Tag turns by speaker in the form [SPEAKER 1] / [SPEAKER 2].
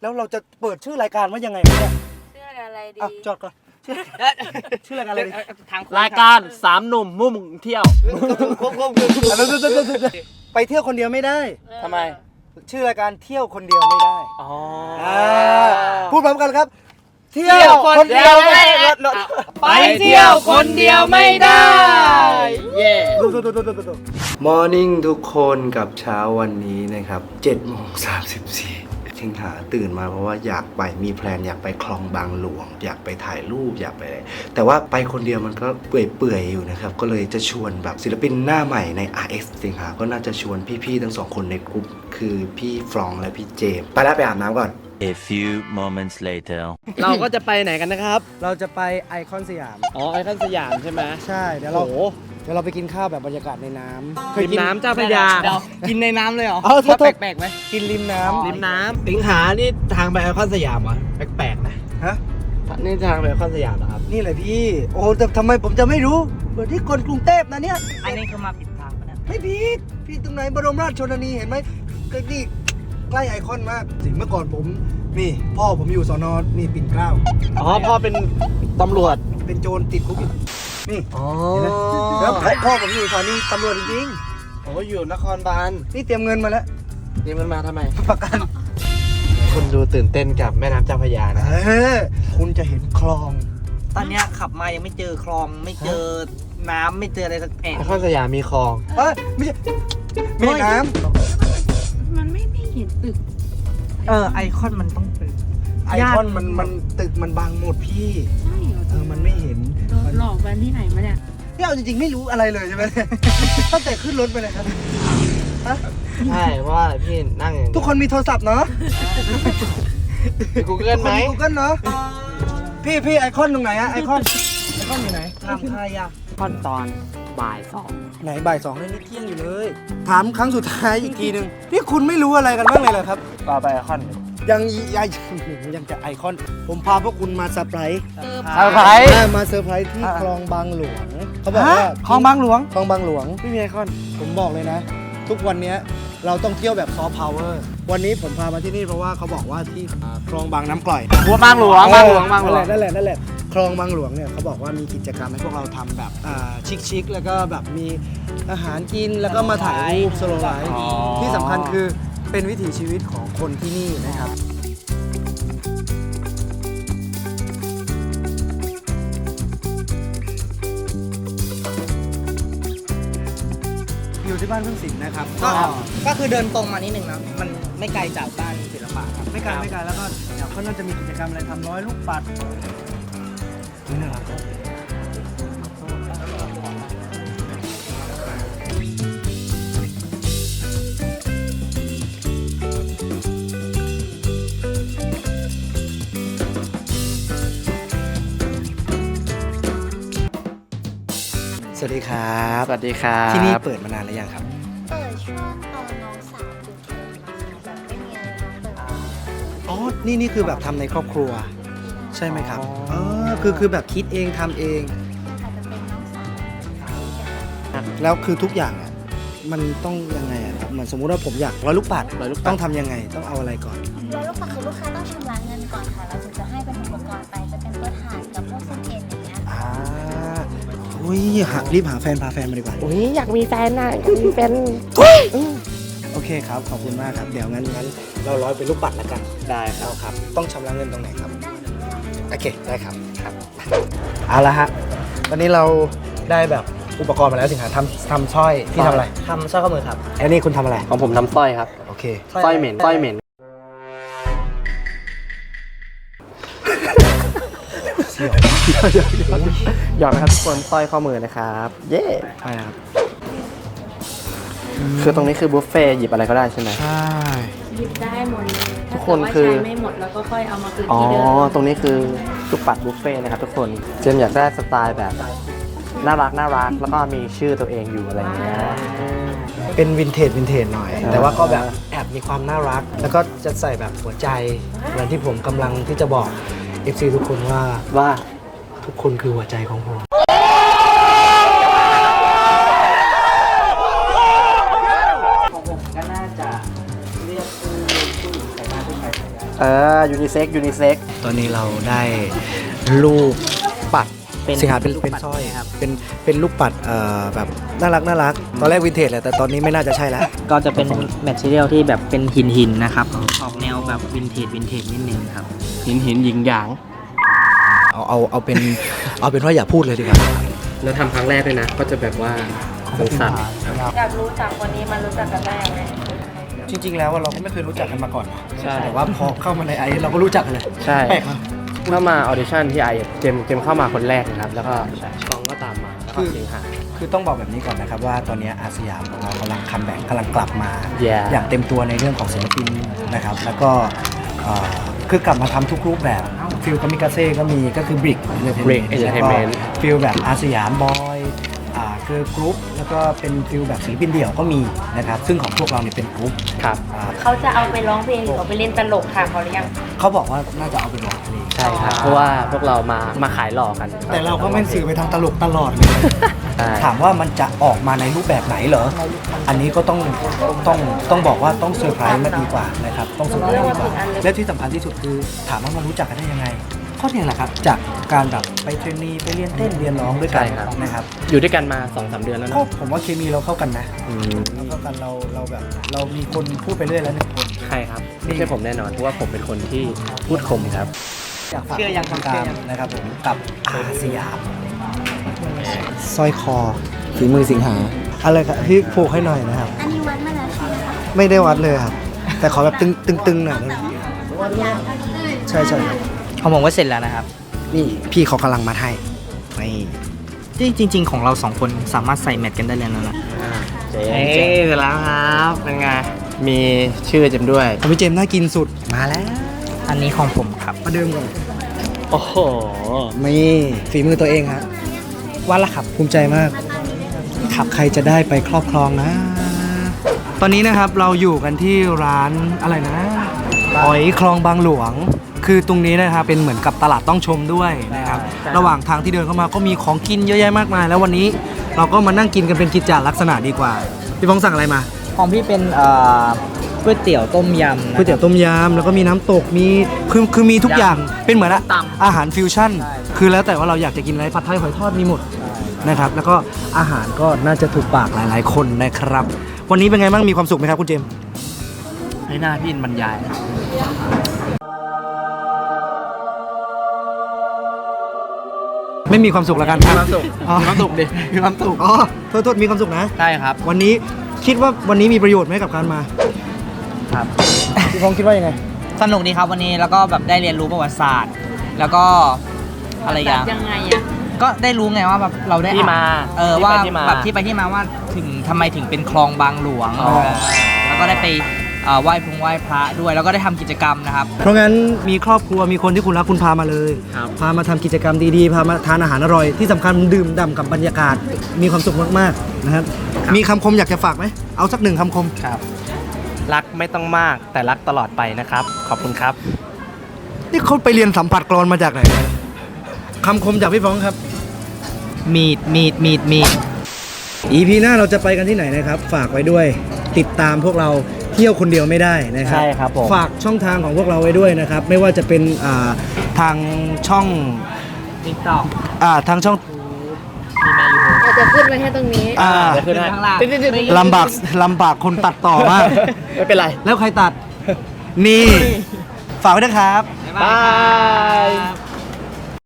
[SPEAKER 1] แล้วเราจะเปิดชื่อรายการว่ายังไงเนี่ย
[SPEAKER 2] ชื่ออะไรดี
[SPEAKER 1] จอดก่อนชื่อรายการอะไรดี
[SPEAKER 3] รายการ3หนุ่มมุ่งเที่ยว
[SPEAKER 1] ไปเที่ยวคนเดียวไม่ได้
[SPEAKER 3] ทำไม
[SPEAKER 1] ชื่อรายการเที่ยวคนเดียวไม่ได้พูดพร้อมกันครับ
[SPEAKER 3] เที่ยวคนเดียวไม่ได้ไปเที่ยวคนเดียวไม่ได้เย่
[SPEAKER 1] มอร์นิ่งทุกคนกับเช้าวันนี้นะครับ7:34ชิงหาตื่นมาเพราะว่าอยากไปมีแพลนอยากไปคลองบางหลวงอยากไปถ่ายรูปอยากไปอะไรแต่ว่าไปคนเดียวมันก็เปื่อยๆอยู่นะครับก็เลยจะชวนแบบศิลปินหน้าใหม่ใน RX สิงหาก็น่าจะชวนพี่ๆทั้งสองคนในกลุ่มคือพี่ฟรองและพี่เจมไปแล้วไปอาบน้ำก่อน
[SPEAKER 4] A few moments later
[SPEAKER 3] เราก็จะไปไหนกันนะครับ
[SPEAKER 1] เราจะไปไอคอนสยาม
[SPEAKER 3] ไอคอนสยามใช่ไหม
[SPEAKER 1] ใช่เดี๋ยวเราไปกินข้าวแบบบรรยากาศในน้ำ
[SPEAKER 3] ริมน้ำเจ้าพระยากินในน้ำเลยเหรอแปลกๆไหม
[SPEAKER 1] กินริมน้ำ
[SPEAKER 3] สิงหานี่ทางไปไอคอนสยามเหรอแปลกๆนะ
[SPEAKER 1] ฮะ
[SPEAKER 3] นี่ทางไปไอคอนสยามเหรอครับ
[SPEAKER 1] นี่แหละพี่โอ้แต่ทำไมผมจะไม่รู้เหมือนที่คนกรุงเทพนะเนี่ย
[SPEAKER 2] อันนี้คือมาผิดทางปะเนี่ย
[SPEAKER 1] ไม่ผิดพี่ตรงไหนบรมราชชนนีเห็นไหมก็นี่ใกล้ไอคอนมากสิ่งเมื่อก่อนผมนี่พ่อผมอยู่สน.นี่ปิ่นเกล้า
[SPEAKER 3] พ่อเป็นตำรวจ
[SPEAKER 1] เป็นโจรติดคุกอยู่นี่แล้วพ่อผมอยู่สถานีตำรวจจริง
[SPEAKER 3] ๆอยู่นครบาล
[SPEAKER 1] นี่เตรียมเงินมาแล้ว
[SPEAKER 3] เตรียมเงินมาทำไม
[SPEAKER 1] ประกัน
[SPEAKER 3] คุณดูตื่นเต้นกับแม่น้ำเจ้าพระยานะ
[SPEAKER 1] คุณจะเห็นคลอง
[SPEAKER 2] ตอนนี้ขับมายังไม่เจอคลองไม่เจอน้ำไม่เจออะไรสักแอะ
[SPEAKER 3] ไอคอนสยามมีคลอง
[SPEAKER 1] ไม่ใช่น้
[SPEAKER 2] ำมันไม่เห็นตึกไอคอนมันต้องตึก
[SPEAKER 1] ไอคอนมันตึกมันบังหมดพี่
[SPEAKER 2] ใช่เหรอ
[SPEAKER 1] มันไม่เห็น
[SPEAKER 2] หลอกกันที่ไหนมาเนี่ย
[SPEAKER 1] เอาจริงๆไม่รู้อะไรเลยใช่ไหมตั้งแต่ขึ้นรถไปเลยครับ
[SPEAKER 3] ใช่ว่าพี่นั่ง
[SPEAKER 1] ทุกคนมีโทรศัพท์เนาะ
[SPEAKER 3] กูเกิลไหม
[SPEAKER 1] กูเกิลเนาะพี่ไอคอนตรงไหนอะไอคอนอยู่ไหน
[SPEAKER 2] ทำใครอะคอนตอนบ่าย2
[SPEAKER 1] ไหนบ่าย2นี่เที่ยงอยู่เลยถามครั้งสุดท้ายอีกทีนึงนี่คุณไม่รู้อะไรกันบ้างเลยเหรอครับ
[SPEAKER 3] ไปไอคอน
[SPEAKER 1] ยังจะไอคอนผมพาพวกคุณมาเซอร์ไพรส์มาเซอร์ไพรส์ที่คลองบางหลวงเขาบอกว่า
[SPEAKER 3] คลองบางหลวง
[SPEAKER 1] ไม่มีไอคอนผมบอกเลยนะทุกวันนี้เราต้องเที่ยวแบบซอฟต์พาวเวอร์วันนี้ผมพามาที่นี่เพราะว่าเขาบอกว่าที่คลองบางน้ำกร่อย
[SPEAKER 3] บางหลวงนั่น
[SPEAKER 1] แหละคลองบางหลวงเนี่ยเขาบอกว่ามีกิจกรรมให้พวกเราทำแบบชิคๆแล้วก็แบบมีอาหารกินแล้วก็มาถ่ายรูปสโลว์ไลฟ์ที่สำคัญคือเป็นวิถีชีวิตของคนที่นี่นะครับอยู่ที่บ้านพึ่งศิลป์นะครับ
[SPEAKER 2] ก็คือเดินตรงมานิดนึงนะมันไม่ไกลจากบ้านศิลปะครับ
[SPEAKER 1] ไม่ไกลแล้วก็เดี๋ยวเขาน่าจะมีกิจกรรมอะไรทำร้อยลูกปัดนี่นะครับสวัสดีครับที่นี่เปิดมานานหรือยังครับ
[SPEAKER 5] เปิดช่วงตอนน้องสาวอยู่เทอมมาแบบไม่มีอะไรนะเปิด
[SPEAKER 1] นี่คือแบบทำในครอบครัวใช่ไหมครับคือแบบคิดเองทำเอง
[SPEAKER 5] อาจจะเป็นน้องสาว
[SPEAKER 1] แล้วคือทุกอย่างอ่ะมันต้องยังไงอ่ะเหมือนสมมุติว่าผมอยากร้อยลูกปัดต้องทำยังไงต้องเอาอะไรก่อน
[SPEAKER 5] ร้อยลูกปัดคือลูกค้าต้องชำระเงินก่อนค่ะเราถึงจะให้เป็นอุปกรณ์ไปจะเป็นตัวถ่านกับพวกสเก็ตอย่างเงี้ย
[SPEAKER 1] รีบหาแฟนพาแฟนมาดีกว่า
[SPEAKER 2] อยากมีแฟนน่ะมีแฟน
[SPEAKER 1] โอเคครับขอบคุณมากครับเดี๋ยวงั้นเราร้อยเป็นลูกปัดแล้วกัน
[SPEAKER 3] ได้
[SPEAKER 1] ครับต้องชำระเงินตรงไหนครับโอเคได้ครับเอาละฮะวันนี้เราได้แบบอุปกรณ์มาแล้วสิงหาทำสร้อยที่ทำอะไร
[SPEAKER 2] ทำสร้อยข้อมือครับ
[SPEAKER 1] อันนี้คุณทำอะไร
[SPEAKER 3] ของผมทำสร้อยครับ
[SPEAKER 1] โอเค
[SPEAKER 3] สร้อยเหม็นหยอดนะครับทุกคนสร้อยข้อมือนะครับเย้
[SPEAKER 1] ใช่ครับ
[SPEAKER 3] คือตรงนี้คือบุฟเฟ่หยิบอะไรก็ได้ใช่ไหม
[SPEAKER 1] ใช่
[SPEAKER 2] หยิบได้หมดเลย
[SPEAKER 3] ทุกคนคือ
[SPEAKER 2] ใช้ไม่หมดแล้วก็ค่อยเอามาคืนที่เดิม
[SPEAKER 3] ตรงนี้คือลูกปัดบุฟเฟ่นะครับทุกคนเจมอยากได้สไตล์แบบน่ารักแล้วก็มีชื่อตัวเองอยู่อะไรอย่างเงี้ย
[SPEAKER 1] เป็นวินเทจหน่อยแต่ว่าก็แบบแอบมีความน่ารักแล้วก็จะใส่แบบหัวใจเหมือนที่ผมกำลังที่จะบอก FC ทุกคนว่าทุกคนคือหัวใจของผม
[SPEAKER 2] ก็น่าจะเรียกผู้หญิงใส่ได้ผู้ชายใส่ได้
[SPEAKER 3] ยูนิเซ็ก
[SPEAKER 1] ตอนนี้เราได้ลูกปัด
[SPEAKER 3] เป็น
[SPEAKER 1] สิงหาเป็น
[SPEAKER 3] ลูก
[SPEAKER 1] เป็น
[SPEAKER 3] ปัด
[SPEAKER 1] สร้อย
[SPEAKER 3] ครับ
[SPEAKER 1] เป็นลูกปัดแบบน่ารักตอนแรกวินเทจแหละแต่ตอนนี้ไม่น่าจะใช่แล้ว
[SPEAKER 6] ก็จะเป็นแมทเทียลที่แบบเป็นหินนะครับ ออกแนวแบบวินเทจนิดนึงครับ
[SPEAKER 3] หินหยิงหยาง
[SPEAKER 1] เอาเป็นว่าอย่าพูดเลยดีกว่า
[SPEAKER 3] แล้วทำครั้งแรกด้วยนะ ก็จะแบบว่าสงสาร
[SPEAKER 7] อยากรู้จักคนนี้มันรู้จักกันได้ยังไง
[SPEAKER 1] จริงๆแล้วเราก็ไม่เคยรู้จักกันมาก่อน
[SPEAKER 3] ใช่
[SPEAKER 1] แต่ว่าพอเข้ามาในไอเราก็รู้จักกันเลย
[SPEAKER 3] ใช่
[SPEAKER 1] แปลกมาก
[SPEAKER 3] เข้ามาออดิชั่นที่ไอเจมเข้ามาคนแรกนะครับ แล้วก็กองก็ตามมา แล้วก็สิงหา
[SPEAKER 1] คือต้องบอกแบบนี้ก่อนนะครับว่าตอนนี้อาสยามของเรากำลังคัมแบ็กกำลังกลับมา
[SPEAKER 3] Yeah
[SPEAKER 1] อย่างเต็มตัวในเรื่องของศิลปินนะครับแล้วก็คือกลับมาทำทุกรูปแบบฟิลกามิกาเซ่ก็มีก็คือบริก
[SPEAKER 3] Brick Entertainment
[SPEAKER 1] ฟิลแบบอาสยามบอยเกิร์ลกรุ๊ปแล้วก็เป็นฟิลแบบศิลปินเดี่ยวก็มีนะครับซึ่งของพวกเราเนี่ยเป็นกรุ๊ป
[SPEAKER 3] ครับ
[SPEAKER 7] เขาจะเอาไปร้องเพลงหรือเอาไปเล่นตลกค่ะเขาหรือยัง
[SPEAKER 1] เขาบอกว่าน่าจะเอาไปร้องเพลง
[SPEAKER 3] ใช่ครับ เพราะว่าพวกเรามาขายหลอกกัน
[SPEAKER 1] แต่เราก็ไม่สื่อไปทางตลกตลอดเลย
[SPEAKER 3] ใช่
[SPEAKER 1] ถามว่ามันจะออกมาในรูปแบบไหนเหรอ อันนี้ก็ต้องบอกว่าต้องเซอร์ไพรส์มากดีกว่านะครับ ต้องเซอร์ไพรส์ดีกว่า และที่สำคัญที่สุดคือถามว่ามันรู้จักกันได้ยังไงก็เนี่ยแหละครับ จากการแบบไปเทรนนีไปเรียนเต้นเรียนร้องด้วยกันนะครับ
[SPEAKER 3] อยู่ด้วยกันมา 2-3 เดือนแล้ว
[SPEAKER 1] ก็
[SPEAKER 3] นะ
[SPEAKER 1] ผมว่าเคมีเราเข้ากันนะเราเข้ากันเราแบบเรามีคนพูดไปเรื่อยแล้วหนึ่งคน
[SPEAKER 3] ใช่ครับ ไม่ใช่ผมแน่นอน เพราะว่าผมเป็นคนที่พูดคมครับ
[SPEAKER 1] อยากฝาก
[SPEAKER 6] เชื่อยังครับ
[SPEAKER 1] ติดตามนะครับผมกับอาสยามสร้อยคอฝีมือสิงหาอะไรครับพี่ผูกให้หน่อยนะครับ
[SPEAKER 5] อันนี้วัดมาแล้วใช่ไหมคะ
[SPEAKER 1] ไม่ได้วัดเลยครับ แต่ขอแบบตึงๆหน่อยได้ไหมใช่ครับ
[SPEAKER 6] ของผมก็เสร็จแล้วนะครับ
[SPEAKER 1] นี่พี่เขากำลังมาให้นี่
[SPEAKER 6] จริง ๆ ของเราสองคนสามารถใส่แมทกันได้เลยนะ
[SPEAKER 3] เจ๊เสร็จแล้วครับ เป็นไง มีชื่อเจมด้วย
[SPEAKER 1] ของพี่เจมส์น่ากินสุดมาแล้ว
[SPEAKER 6] อันนี้ของผมครับ
[SPEAKER 1] มาเดิมก่อน
[SPEAKER 3] โอ้โห
[SPEAKER 1] นี่ฝีมือตัวเองฮะว่าละครับภูมิใจมากขับใครจะได้ไปครอบครองนะ ตอนนี้นะครับเราอยู่กันที่ร้านอะไรนะหอยคลองบางหลวง คือตรงนี้นะครับเป็นเหมือนกับตลาดต้องชมด้วยนะครับ
[SPEAKER 3] ใช่
[SPEAKER 1] ระหว่างทางที่เดินเข้ามาก็มีของกินเยอะแยะมากมาย แล้ววันนี้เราก็มานั่งกินกันเป็นกิจจลักษณะดีกว่าพี่ฟองสั่งอะไรมา
[SPEAKER 6] ของพี่เป็นก๋วยเตี๋ยวต้มยำนะ
[SPEAKER 1] ก๋วยเตี๋ยวต้มยำแล้วก็มีน้ำตกมีคือมีทุกอย่างเป็นเหมือนอาหารฟิวชั่น คือแล้วแต่ว่าเราอยากจะกินอะไรผัดไทยหอยทอดมีหมดนะครับ แล้วก็อาหารก็น่าจะถูกปากหลายๆคนนะครับ วันนี้เป็นไงบ้างมีความสุขไหมครับคุณเจมส์
[SPEAKER 6] ให้หน้าพี่บรรยาย
[SPEAKER 1] ไม่มีความสุขแล้วกัน
[SPEAKER 3] มีความสุข
[SPEAKER 1] อ๋อ
[SPEAKER 3] มีความสุขดิ
[SPEAKER 1] มีความสุขอ๋อโทษมีความสุขนะ
[SPEAKER 6] ได้ครับ
[SPEAKER 1] วันนี้คิดว่าวันนี้มีประโยชน์ไหมกับการมา
[SPEAKER 6] ครับ
[SPEAKER 1] พี่ฟองคิดว่ายังไง
[SPEAKER 6] สนุกดีครับวันนี้แล้วก็แบบได้เรียนรู้ประวัติศาสตร์ แล้วก็อะไรอย่าง
[SPEAKER 7] ยังไงอะ
[SPEAKER 6] ก็ได้รู้ไงว่าแบบเราได้
[SPEAKER 3] ที่มา
[SPEAKER 6] ว่า
[SPEAKER 3] ที่ไปที่มา
[SPEAKER 6] แบบที่ไปที่มาว่าถึงทำไมถึงเป็นคลองบางหลวง
[SPEAKER 3] อ๋อ
[SPEAKER 6] แล้วก็ได้ไปไหว้พระด้วย แล้วก็ได้ทำกิจกรรมนะครับ
[SPEAKER 1] เพราะงั้นมีครอบครัวมีคนที่คุณรักคุณพามาเลย
[SPEAKER 3] ครับ
[SPEAKER 1] พามาทำกิจกรรมดีๆ พามาทานอาหารอร่อย ที่สำคัญดื่มด่ำกับบรรยากาศ มีความสุขมากๆนะครับ มีคำคมอยากจะฝากไหม เอาสักหนึ่งคำคม
[SPEAKER 3] ครับ รักไม่ต้องมากแต่รักตลอดไปนะครับ ขอบคุณครับ
[SPEAKER 1] นี่เขาไปเรียนสัมผัสกรอนมาจากไหนเนี่ยคำคมจากพี่ฟ้องครับ
[SPEAKER 6] มีด
[SPEAKER 1] EP หน้าเราจะไปกันที่ไหนนะครับ ฝากไว้ด้วย ติดตามพวกเราเที่ยวคนเดียวไม่ได้นะครับ
[SPEAKER 3] ใช่ครับผม
[SPEAKER 1] ฝากช่องทางของพวกเราไว้ด้วยนะครับ ไม่ว่าจะเป็นทางช่อง
[SPEAKER 6] ติ๊กต็อก
[SPEAKER 1] ทางช่อง
[SPEAKER 6] มีแม่ยู
[SPEAKER 7] เราจะขึ้นไว้แค่ตรงนี้
[SPEAKER 3] เดี๋ยวขึ้นให้
[SPEAKER 6] ข้างล่าง
[SPEAKER 1] ลำบากคนตัดต่อมาก
[SPEAKER 3] ไม่เป็นไร
[SPEAKER 1] แล้วใครตัด นี่ ฝากไว้นะครับ
[SPEAKER 6] บ๊ายบาย